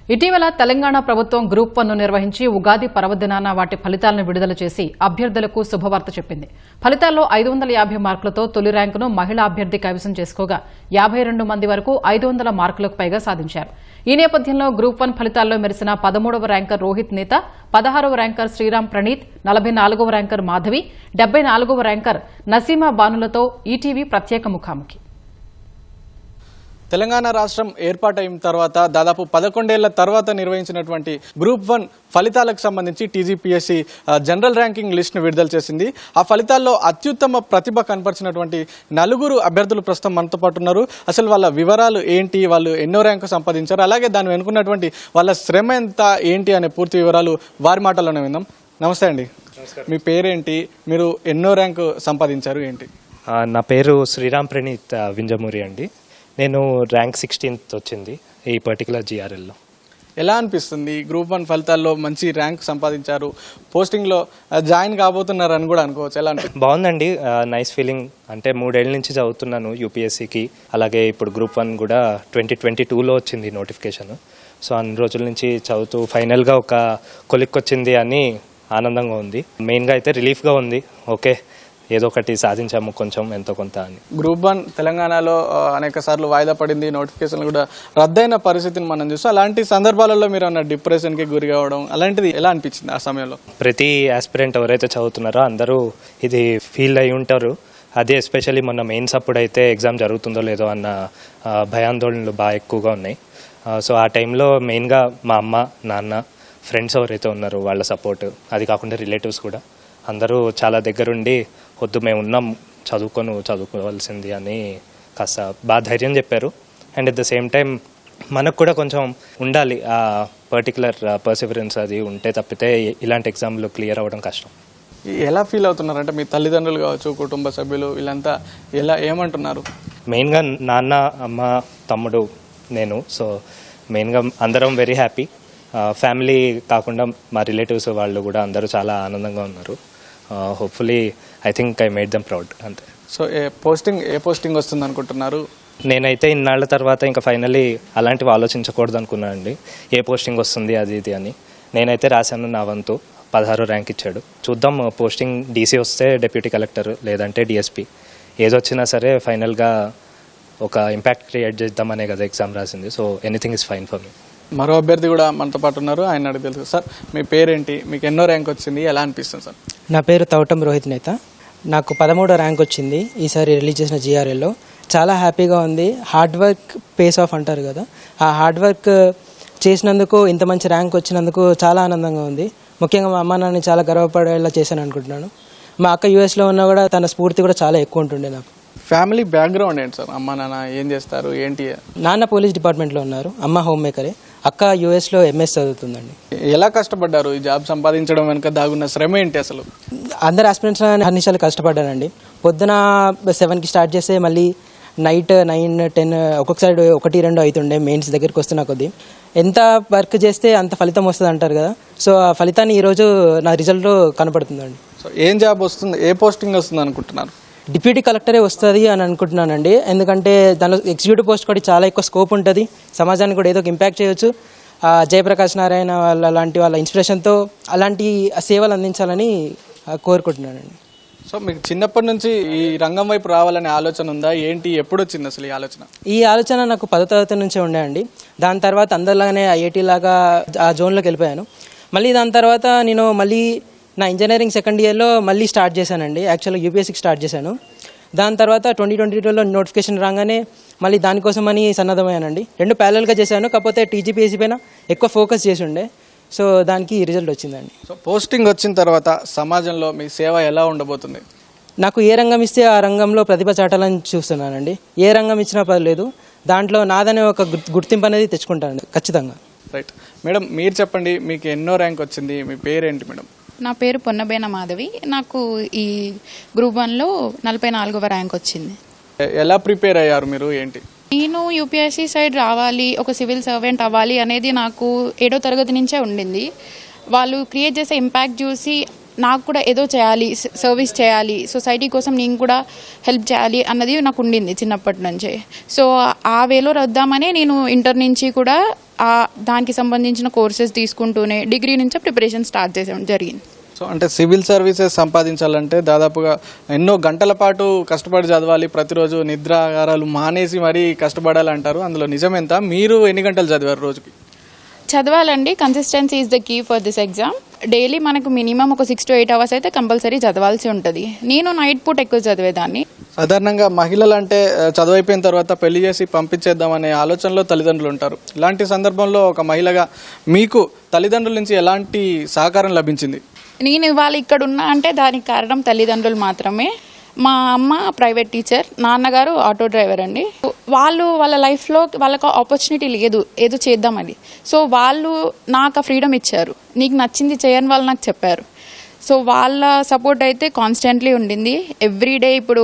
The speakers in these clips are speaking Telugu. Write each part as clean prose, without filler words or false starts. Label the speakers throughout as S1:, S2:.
S1: ఇటీవల తెలంగాణ ప్రభుత్వం గ్రూప్ 1 నిర్వహించి ఉగాది పర్వదినాన వాటి ఫలితాలను విడుదల చేసి అభ్యర్థులకు శుభవార్త చెప్పింది. ఫలితాల్లో 550 మార్కులతో తొలి ర్యాంకును మహిళా అభ్యర్థి కైవసం చేసుకోగా 52 మంది వరకు 500 మార్కులకు పైగా సాధించారు. ఈ నేపథ్యంలో గ్రూప్ 1 ఫలితాల్లో మెరిసిన 13వ ర్యాంకర్ రోహిత్ నేత, 16వ ర్యాంకర్ శ్రీరామ్ ప్రణీత్, 44వ ర్యాంకర్ మాధవి, 74వ ర్యాంకర్ నసీమా బానులతో ఈటీవీ ప్రత్యేక ముఖాముఖి.
S2: తెలంగాణ రాష్ట్రం ఏర్పాటైన తర్వాత దాదాపు 11 ఏళ్ల తర్వాత నిర్వహించినటువంటి గ్రూప్ 1 ఫలితాలకు సంబంధించి టీజీపీఎస్సీ జనరల్ ర్యాంకింగ్ లిస్ట్ను విడుదల చేసింది. ఆ ఫలితాల్లో అత్యుత్తమ ప్రతిభ కనపరిచినటువంటి 4 అభ్యర్థులు ప్రస్తుతం మనతో పాటు ఉన్నారు. అసలు వాళ్ళ వివరాలు ఏంటి, వాళ్ళు ఎన్నో ర్యాంకు సంపాదించారు, అలాగే దాన్ని వెనుకున్నటువంటి వాళ్ళ శ్రమ ఎంత ఏంటి అనే పూర్తి వివరాలు వారి మాటల్లోనే విందాం. నమస్తే అండి. మీ పేరేంటి, మీరు ఎన్నో ర్యాంకు సంపాదించారు ఏంటి?
S3: నా పేరు శ్రీరామ్ ప్రణీత్ వింజమూరి అండి. నేను ర్యాంక్ 16th వచ్చింది ఈ పర్టికులర్ జిఆర్ఎల్లో.
S2: ఎలా అనిపిస్తుంది? గ్రూప్ 1 ఫలితాల్లో మంచి ర్యాంక్ సంపాదించారు, పోస్టింగ్లో జాయిన్ కాబోతున్నారని కూడా అనుకోవచ్చు. ఎలా అనిపిస్తుంది?
S3: బాగుందండి, నైస్ ఫీలింగ్. అంటే 3 ఏళ్ళ నుంచి చదువుతున్నాను యూపీఎస్సీకి. అలాగే ఇప్పుడు గ్రూప్ 1 కూడా 2022లో వచ్చింది నోటిఫికేషన్. సో అన్ని రోజుల నుంచి చదువుతూ ఫైనల్గా ఒక కొలిక్కొచ్చింది అని ఆనందంగా ఉంది. మెయిన్గా అయితే రిలీఫ్గా ఉంది. ఓకే, ఏదో ఒకటి సాధించాము కొంచెం ఎంతో కొంత అని.
S2: గ్రూప్ 1 తెలంగాణలో అనేక సార్లు వాయిదా పడింది, నోటిఫికేషన్లు కూడా రద్దయిన పరిస్థితిని మనం చూస్తాం. అలాంటి సందర్భాలలో మీరు అన్న డిప్రెషన్కి గురి కావడం అలాంటిది ఎలా అనిపించింది ఆ సమయంలో?
S3: ప్రతి ఆస్పిరెంట్ ఎవరైతే చదువుతున్నారో అందరూ ఇది ఫీల్ అయి ఉంటారు. అదే ఎస్పెషల్లీ మొన్న మెయిన్స్ అప్పుడు అయితే ఎగ్జామ్ జరుగుతుందో లేదో అన్న భయాందోళనలు బాగా ఎక్కువగా ఉన్నాయి. సో ఆ టైంలో మెయిన్గా మా అమ్మ, నాన్న, ఫ్రెండ్స్ ఎవరైతే ఉన్నారో వాళ్ళ సపోర్ట్, అది కాకుండా రిలేటివ్స్ కూడా అందరూ చాలా దగ్గరుండి వద్దు మేము ఉన్నాం, చదువుకోవాల్సింది అని కాస్త బాగా ధైర్యం చెప్పారు. And at the same time మనకు కూడా కొంచెం ఉండాలి ఆ పర్టికులర్ పర్సివరెన్స్, అది ఉంటే తప్పితే ఇలాంటి ఎగ్జామ్లు క్లియర్ అవ్వడం కష్టం.
S2: ఎలా ఫీల్ అవుతున్నారంటే మీ తల్లిదండ్రులు కావచ్చు, కుటుంబ సభ్యులు వీళ్ళంతా ఏమంటున్నారు?
S3: మెయిన్గా నాన్న, అమ్మ, తమ్ముడు, నేను. సో మెయిన్గా అందరం వెరీ హ్యాపీ. ఫ్యామిలీ కాకుండా మా రిలేటివ్స్ వాళ్ళు కూడా అందరూ చాలా ఆనందంగా ఉన్నారు. Hopefully I think I made them proud అంతే.
S2: సో ఏ పోస్టింగ్ వస్తుంది అనుకుంటున్నారు?
S3: నేనైతే ఇన్నాళ్ల తర్వాత ఇంకా ఫైనల్లీ అలాంటివి ఆలోచించకూడదు అనుకున్నాను అండి. ఏ పోస్టింగ్ వస్తుంది అది ఇది అని. నేనైతే రాశాను నా వంతు. 16 ర్యాంక్ ఇచ్చాడు. చూద్దాం, పోస్టింగ్ డీసీ వస్తే డెప్యూటీ కలెక్టర్, లేదంటే డిఎస్పీ, ఏదొచ్చినా సరే ఫైనల్గా ఒక ఇంపాక్ట్ క్రియేట్ చేద్దామనే కదా ఎగ్జామ్ రాసింది. So anything is fine for me.
S2: మరో అభ్యర్థి కూడా మనతో పాటు ఉన్నారు, ఆయన అడిగి తెలుసు. సార్ మీ పేరేంటి, మీకు ఎన్నో ర్యాంక్ వచ్చింది, ఎలా అనిపిస్తుంది సార్?
S4: నా పేరు తౌటం రోహిత్ నేత. నాకు 13వ ర్యాంక్ వచ్చింది ఈసారి రిలీజ్ చేసిన జిఆర్ఎల్లో. చాలా హ్యాపీగా ఉంది. హార్డ్ వర్క్ పేస్ ఆఫ్ అంటారు కదా, ఆ హార్డ్ వర్క్ చేసినందుకు ఇంత మంచి ర్యాంక్ వచ్చినందుకు చాలా ఆనందంగా ఉంది. ముఖ్యంగా మా అమ్మ నాన్నని చాలా గర్వపడేలా చేశాను అనుకుంటున్నాను. మా అక్క యూఎస్లో ఉన్నా కూడా తన స్ఫూర్తి కూడా చాలా ఎక్కువ ఉంటుండే నాకు.
S2: ఫ్యామిలీ బ్యాక్గ్రౌండ్ ఏంటి సార్? అమ్మ నాన్న ఏం చేస్తారు ఏంటి?
S4: నాన్న పోలీస్ డిపార్ట్మెంట్లో ఉన్నారు, అమ్మ హోమ్ మేకరే, అక్క యూఎస్లో ఎంఎస్ చదువుతుందండి.
S2: ఎలా కష్టపడ్డారు ఈ జాబ్ సంపాదించడం వెనుక దాగున్న శ్రమ ఏంటి అసలు?
S4: అందరు ఆస్పిరెంట్స్ అన్నిసార్లు కష్టపడ్డానండి. పొద్దున 7కి స్టార్ట్ చేస్తే మళ్ళీ నైట్ 9, 10 ఒక్కొక్కసారి 1, 2 అవుతుండే మెయిన్స్ దగ్గరికి వస్తున్న కొద్దీ. ఎంత వర్క్ చేస్తే అంత ఫలితం వస్తుంది అంటారు కదా. సో ఆ ఫలితాన్ని ఈరోజు నా రిజల్ట్లో కనపడుతుందండి.
S2: సో ఏం జాబ్ వస్తుంది, ఏ పోస్టింగ్ వస్తుంది అనుకుంటున్నారు?
S4: డిప్యూటీ కలెక్టరే వస్తుంది అని అనుకుంటున్నానండి. ఎందుకంటే దానిలో ఎగ్జిక్యూటివ్ పోస్ట్ కూడా చాలా ఎక్కువ స్కోప్ ఉంటుంది, సమాజానికి కూడా ఏదో ఒక ఇంపాక్ట్ చేయవచ్చు. జయప్రకాష్ నారాయణ వాళ్ళ ఇన్స్పిరేషన్తో అలాంటి సేవలు అందించాలని కోరుకుంటున్నానండి.
S2: సో మీకు చిన్నప్పటి నుంచి ఈ రంగం వైపు రావాలనే ఆలోచన ఉందా ఏంటి? ఎప్పుడు వచ్చింది అసలు ఈ ఆలోచన?
S4: ఈ ఆలోచన నాకు 10వ తరగతి నుంచే ఉండే అండి. దాని తర్వాత అందరిలాగానే ఐఐటీ లాగా ఆ జోన్లోకి వెళ్ళిపోయాను. మళ్ళీ దాని తర్వాత నేను మళ్ళీ నా ఇంజనీరింగ్ 2nd ఇయర్లో మళ్ళీ స్టార్ట్ చేశానండి. యాక్చువల్గా యూపీఎస్సీకి స్టార్ట్ చేశాను. దాని తర్వాత 2022లో నోటిఫికేషన్ రాగానే మళ్ళీ దానికోసమని సన్నద్ధమయ్యానండి. 2 ప్యారలల్గా చేశాను, కాకపోతే టీజీపీఎస్సీ పైన ఎక్కువ ఫోకస్ చేసి ఉండే. సో దానికి రిజల్ట్ వచ్చిందండి.
S2: సో పోస్టింగ్ వచ్చిన తర్వాత సమాజంలో మీ సేవ ఎలా ఉండబోతుంది?
S4: నాకు ఏ రంగం ఇస్తే ఆ రంగంలో ప్రతిభ చాటాలని చూస్తున్నానండి. ఏ రంగం ఇచ్చినా పర్లేదు, దాంట్లో నాదనే ఒక గుర్తింపు అనేది తెచ్చుకుంటానండి ఖచ్చితంగా.
S2: రైట్ మేడం, మీరు చెప్పండి, మీకు ఎన్నో ర్యాంక్ వచ్చింది, మీ పేరేంటి మేడం?
S5: నా పేరు పొన్నబేన మాధవి. నాకు ఈ గ్రూప్ 1లో 44వ ర్యాంక్ వచ్చింది.
S2: ఎలా ప్రిపేర్ అయ్యారు మీరు ఏంటి?
S5: నేను యూపీఎస్సీ సైడ్ రావాలి, ఒక సివిల్ సర్వెంట్ అవ్వాలి అనేది నాకు 7వ తరగతి నుంచే ఉండింది. వాళ్ళు క్రియేట్ చేసే ఇంపాక్ట్ చూసి నాకు కూడా ఏదో చేయాలి, సర్వీస్ చేయాలి, సొసైటీ కోసం నేను కూడా హెల్ప్ చేయాలి అన్నది నాకు ఉండింది చిన్నప్పటి నుంచే. సో ఆ వేలో వద్దామనే నేను ఇంటర్ నుంచి కూడా దానికి సంబంధించిన కోర్సెస్ తీసుకుంటూనే డిగ్రీ నుంచే ప్రిపరేషన్ స్టార్ట్ చేసాం జరిగింది.
S2: సో అంటే సివిల్ సర్వీసెస్ సంపాదించాలంటే దాదాపుగా ఎన్నో గంటల పాటు కష్టపడి చదవాలి, ప్రతిరోజు నిద్రాగారాలు మానేసి మరీ కష్టపడాలి అంటారు. అందులో నిజమెంత? మీరు ఎన్ని గంటలు చదివారు రోజుకి?
S5: చదవాలండి. Consistency is the key for this exam. Daily మనకు మినిమం ఒక 6 to 8 hours అయితే కంపల్సరీ చదవాల్సి ఉంటుంది. నేను నైట్ పూట ఎక్కువ చదివేదాన్ని.
S2: సాధారణంగా మహిళలు అంటే చదువు అయిపోయిన తర్వాత పెళ్లి చేసి పంపించేద్దామనే ఆలోచనలో తల్లిదండ్రులు ఉంటారు. ఇలాంటి సందర్భంలో ఒక మహిళగా మీకు తల్లిదండ్రుల నుంచి ఎలాంటి సహకారం లభించింది?
S5: నేను ఇవాళ ఇక్కడ ఉన్నా అంటే దానికి కారణం తల్లిదండ్రులు మాత్రమే. మా అమ్మ ప్రైవేట్ టీచర్, నాన్నగారు ఆటో డ్రైవర్ అండి. వాళ్ళ లైఫ్లో వాళ్ళకు ఆపర్చునిటీ లేదు ఏదో చేద్దామని. సో వాళ్ళు నాకు ఆ ఫ్రీడమ్ ఇచ్చారు. నీకు నచ్చింది చేయని వాళ్ళు నాకు చెప్పారు. సో వాళ్ళ సపోర్ట్ అయితే కాన్స్టెంట్లీ ఉండింది. ఎవ్రీడే ఇప్పుడు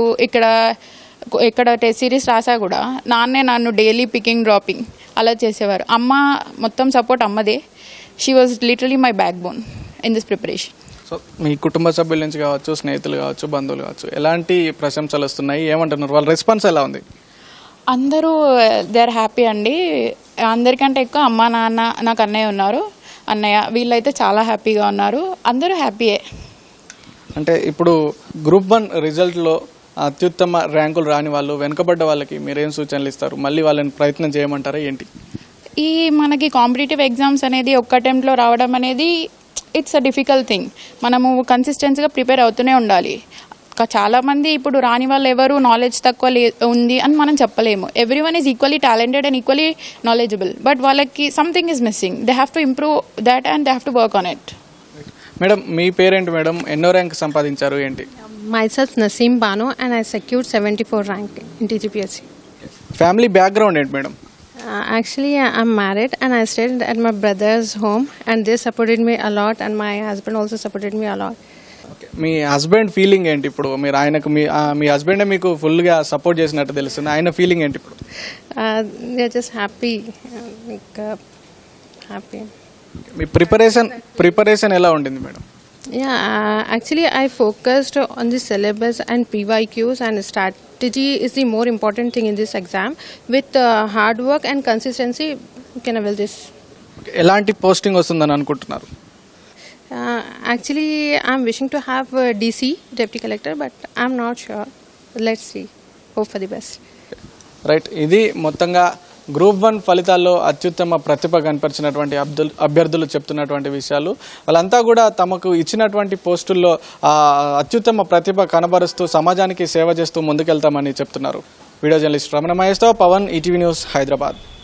S5: ఇక్కడ టెస్ట్ సిరీస్ రాసా కూడా నాన్నే నన్ను డైలీ పికింగ్ డ్రాపింగ్ అలా చేసేవారు. అమ్మ మొత్తం సపోర్ట్ అమ్మదే. She was literally my backbone in this preparation.
S2: So మీ కుటుంబ సభ్యుల నుంచి కావచ్చు, స్నేహితులు కావచ్చు, బంధువులు కావచ్చు, ఎలాంటి ప్రశంసలు వస్తున్నాయి? ఏమంటున్నారు? వాళ్ళ రెస్పాన్స్ ఎలా ఉంది?
S5: అందరూ దే ఆర్ హ్యాపీ అండి. అందరికంటే ఎక్కువ అమ్మ, నాన్న, నాకు అన్నయ్య ఉన్నారు. అన్నయ్య వీళ్ళైతే చాలా హ్యాపీగా ఉన్నారు. అందరూ హ్యాపీయే.
S2: అంటే ఇప్పుడు గ్రూప్ 1 రిజల్ట్లో అత్యుత్తమ ర్యాంకులు రాని వాళ్ళు, వెనుకబడ్డ వాళ్ళకి మీరేం సూచనలు ఇస్తారు? మళ్ళీ వాళ్ళని ప్రయత్నం చేయమంటారా ఏంటి?
S5: ఈ మనకి కాంపిటేటివ్ ఎగ్జామ్స్ అనేది ఒక్క అటెంప్ట్లో రావడం అనేది ఇట్స్ అ డిఫికల్ట్ థింగ్. మనము కన్సిస్టెన్సీగా ప్రిపేర్ అవుతూనే ఉండాలి. చాలామంది ఇప్పుడు రాని వాళ్ళు ఎవరు నాలెడ్జ్ తక్కువ ఉంది అని మనం చెప్పలేము. Everyone is equally talented and equally knowledgeable. But వాళ్ళకి something is missing. They have to improve that and they have to work on it.
S2: Madam, మీ పేరేంటి మేడం? ఎన్నో ర్యాంక్ సంపాదించారు ఏంటి?
S6: Myself Naseem Bano and I secured 74 rank in TGPSC.
S2: Family background ఏంటి madam?
S6: Actually, I'm married and I stayed at my brother's home and they supported me a lot and my husband also supported me a lot.
S2: మీ హస్బెండ్ ఫీలింగ్ ఏంటి ఇప్పుడు? మీరు ఆయనకు మీ హస్బెండే మీకు ఫుల్గా సపోర్ట్ చేసినట్టు తెలుస్తుంది. ఆయన ఫీలింగ్ ఏంటి ఇప్పుడు?
S6: They're just happy. Happy.
S2: మీ ప్రిపరేషన్ ఎలా ఉండింది madam?
S6: Yeah, actually I focused on the syllabus and PYQs and strategy is the more important thing in this exam. With hard work and consistency, you can avail this.
S2: ఎలాంటి పోస్టింగ్ వస్తుందని అనుకుంటున్నారు?
S6: Actually, I'm wishing to have DC, Deputy Collector, but I'm not sure. Let's see. Hope for the best.
S2: Right, ఇది మొత్తంగా గ్రూప్ 1 ఫలితాల్లో అత్యుత్తమ ప్రతిభ కనపరిచినటువంటి అభ్యర్థులు చెప్తున్నటువంటి విషయాలు. వాళ్ళంతా కూడా తమకు ఇచ్చినటువంటి పోస్టుల్లో అత్యుత్తమ ప్రతిభ కనబరుస్తూ సమాజానికి సేవ చేస్తూ ముందుకెళ్తామని చెప్తున్నారు. వీడియో జర్నలిస్ట్ రమణ మహేష్తో పవన్, ఈటీవీ న్యూస్, హైదరాబాద్.